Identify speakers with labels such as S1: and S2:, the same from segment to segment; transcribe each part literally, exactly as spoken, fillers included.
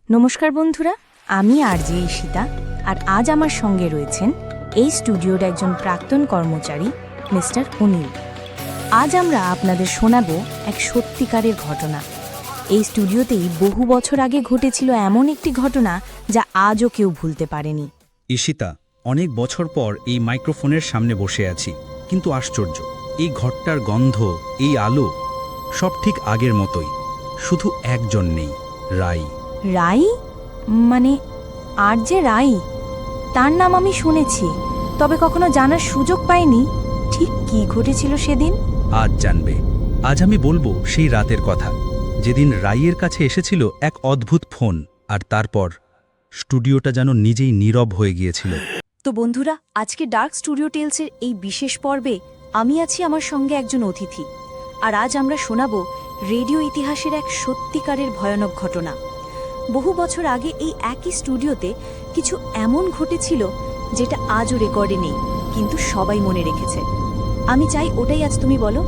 S1: নমস্কার বন্ধুরা, আমি আরজে ঈশিতা, আর আজ আমার সঙ্গে রয়েছেন এই স্টুডিওর একজন প্রাক্তন কর্মচারী মিস্টার অনিল। আজ আমরা আপনাদের শোনাব এক সত্যিকারের ঘটনা। এই স্টুডিওতেই বহু বছর আগে ঘটেছিল এমন একটি ঘটনা যা আজও কেউ ভুলতে পারেনি।
S2: ঈশিতা, অনেক বছর পর এই মাইক্রোফোনের সামনে বসে আছি, কিন্তু আশ্চর্য, এই ঘরটার গন্ধ, এই আলো, সব ঠিক আগের মতোই। শুধু একজন নেই, রাই।
S1: রাই? মানে আর যে রাই, তার নাম আমি শুনেছি, তবে কখনো জানার সুযোগ পাইনি। ঠিক কি ঘটেছিল সেদিন?
S2: আজ জানবে। আজ আমি বলবো সেই রাতের কথা, যেদিন রাইয়ের কাছে এসেছিল এক অদ্ভুত ফোন, আর তারপর স্টুডিওটা যেন নিজেই নীরব হয়ে গিয়েছিল।
S1: তো বন্ধুরা, আজকে ডার্ক স্টুডিও টেলসের এই বিশেষ পর্বে আমি আছি আমার সঙ্গে একজন অতিথি, আর আজ আমরা শোনাব রেডিও ইতিহাসের এক সত্যিকারের ভয়ানক ঘটনা। বহু বছর আগে এই একই স্টুডিওতে কিছু এমন ঘটেছিল যেটা আজও রেকর্ডে নেই, কিন্তু সবাই মনে রেখেছে। আমি চাই ওটাই আজ তুমি বলো।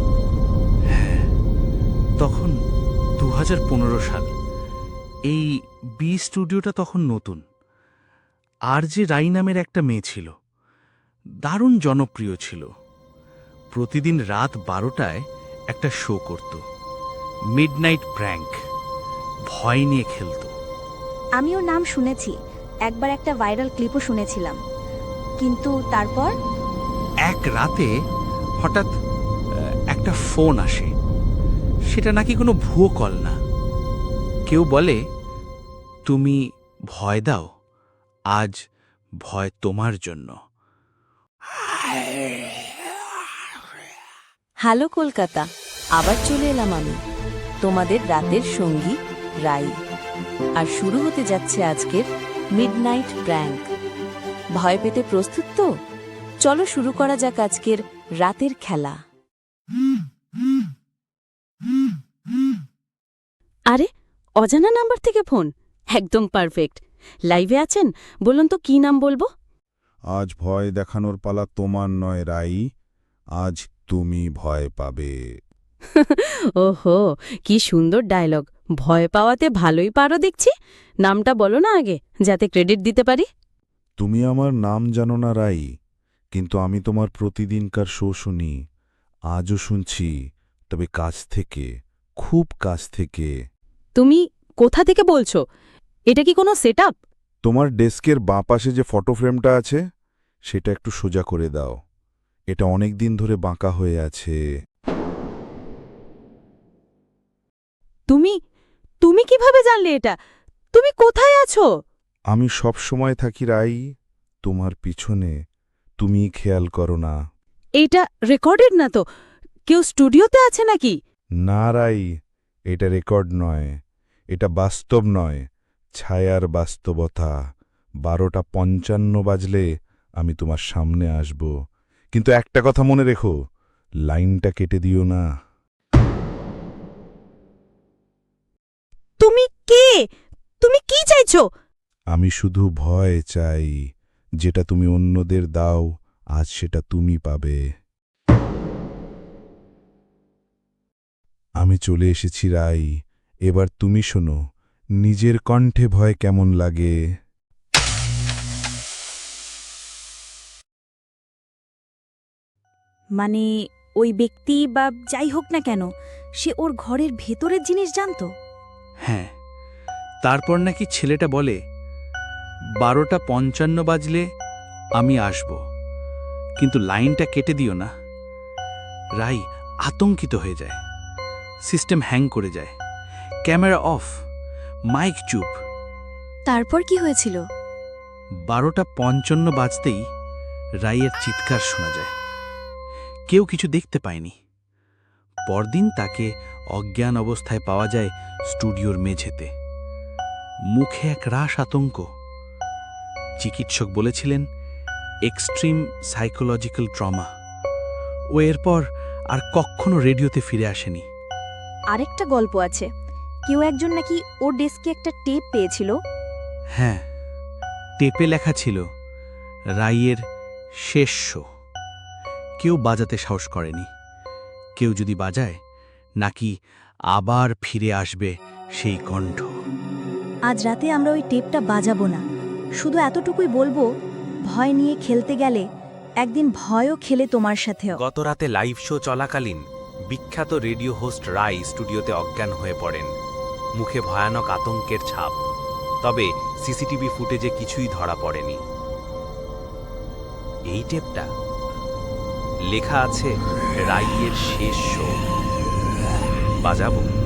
S3: তখন দু হাজার পনেরো সাল। এই বি স্টুডিওটা তখন নতুন। আর যে রাই নামের একটা মেয়ে ছিল, দারুণ জনপ্রিয় ছিল। প্রতিদিন রাত বারোটায় একটা শো করত, মিডনাইট প্র্যাঙ্ক। ভয় নিয়ে খেলত।
S1: আমি ওর নাম শুনেছি, একবার একটা ভাইরাল ক্লিপও শুনেছিলাম, কিন্তু তারপর
S3: এক রাতে হঠাৎ আহ, একটা ফোন আসে। সেটা নাকি কোনো ভুয়ো কল না। কেউ বলে, তুমি ভয় দাও, আজ ভয় তোমার জন্য।
S1: হ্যালো কলকাতা, আবার চলে এলাম আমি, তোমাদের রাতের সঙ্গী রাই। আর শুরু হতে যাচ্ছে আজকের মিডনাইট প্র্যাঙ্ক। ভয় পেতে প্রস্তুত তো? চলো শুরু করা যাক আজকের রাতের খেলা।
S4: আরে, অজানা নাম্বার থেকে ফোন, একদম পারফেক্ট। লাইভে আছেন? বলুন তো কি নাম বলবো?
S5: আজ ভয় দেখানোর পালা তোমার নয় রাই, আজ তুমি ভয় পাবে।
S4: ওহো, কি সুন্দর ডায়লগ। ভয় পাওয়াতে ভালোই পারো দেখছি। নামটা বলো না আগে, যাতে ক্রেডিট দিতে পারি।
S5: তুমি আমার নাম জানো না রাই, কিন্তু আমি তোমার প্রতিদিনকার শো শুনি। আজও শুনছি, তবে কাছ থেকে, খুব কাছ থেকে।
S4: তুমি কোথা থেকে বলছো? এটা কি কোনো সেট আপ?
S5: তোমার ডেস্কের বাঁ পাশে যে ফটো ফ্রেমটা আছে, সেটা একটু সোজা করে দাও। এটা অনেক দিন ধরে বাঁকা হয়ে আছে।
S4: তুমি তুমি কিভাবে জানলে এটা? তুমি কোথায় আছো?
S5: আমি সব সময় থাকি রাই, তোমার পিছনে। তুমি খেয়াল করো না।
S4: এইটা রেকর্ডেড না তো? কেউ স্টুডিওতে আছে নাকি?
S5: না রাই, এটা রেকর্ড নয়, এটা বাস্তব নয়, ছায়ার বাস্তবতা। বারোটা পঞ্চান্ন বাজলে আমি তোমার সামনে আসব, কিন্তু একটা কথা মনে রেখো, লাইনটা কেটে দিও না।
S4: তুমি কে? তুমি কি চাইছো?
S5: আমি শুধু ভয় চাই, যেটা তুমি অন্যদের দাও, আজ সেটা তুমি পাবে। আমি চলে এসেছি রাই, এবার তুমি শোনো, নিজের কণ্ঠে ভয় কেমন লাগে।
S1: মানে ওই ব্যক্তি বা যাই হোক না কেন, সে ওর ঘরের ভেতরের জিনিস জানতো।
S3: হ্যাঁ, তারপর নাকি ছেলেটা বলে, বারোটা পঞ্চান্ন বাজলে আমি আসব, কিন্তু লাইনটা কেটে দিও না। রাই আতঙ্কিত হয়ে যায়। সিস্টেম হ্যাং করে যায়, ক্যামেরা অফ, মাইক চুপ।
S1: তারপর কি হয়েছিল?
S3: বারোটা পঞ্চান্ন বাজতেই রাইয়ের চিৎকার শোনা যায়। কেউ কিছু দেখতে পায়নি। পরদিন তাকে অজ্ঞান অবস্থায় পাওয়া যায় স্টুডিওর মেঝেতে, মুখে এক রাশ আতঙ্ক। চিকিৎসক বলেছিলেন এক্সট্রিম সাইকোলজিক্যাল ট্রমা। ও এরপর আর কখনো রেডিওতে ফিরে আসেনি।
S1: আরেকটা গল্প আছে, কেউ একজন নাকি ওর ডেস্কে একটা টেপ পেয়েছিল।
S3: হ্যাঁ, টেপে লেখা ছিল রাইয়ের শেষ শো। কেউ বাজাতে সাহস করেনি। কেউ যদি বাজায়, নাকি আবার ফিরে আসবে সেই কণ্ঠ।
S1: আজ রাতে আমরা ওই টেপটা বাজাবো না, শুধু এতটুকুই বলবো, ভয় নিয়ে খেলতে গেলে একদিন ভয়ও খেলে তোমার সাথেও।
S6: গত রাতে লাইভ শো চলাকালীন বিখ্যাত রেডিও হোস্ট রাই স্টুডিওতে অজ্ঞান হয়ে পড়েন, মুখে ভয়ানক আতঙ্কের ছাপ। তবে সিসিটিভি ফুটেজে কিছুই ধরা পড়েনি। এই টেপটা লেখা আছে রাইয়ের শেষ শো। বাজাবো।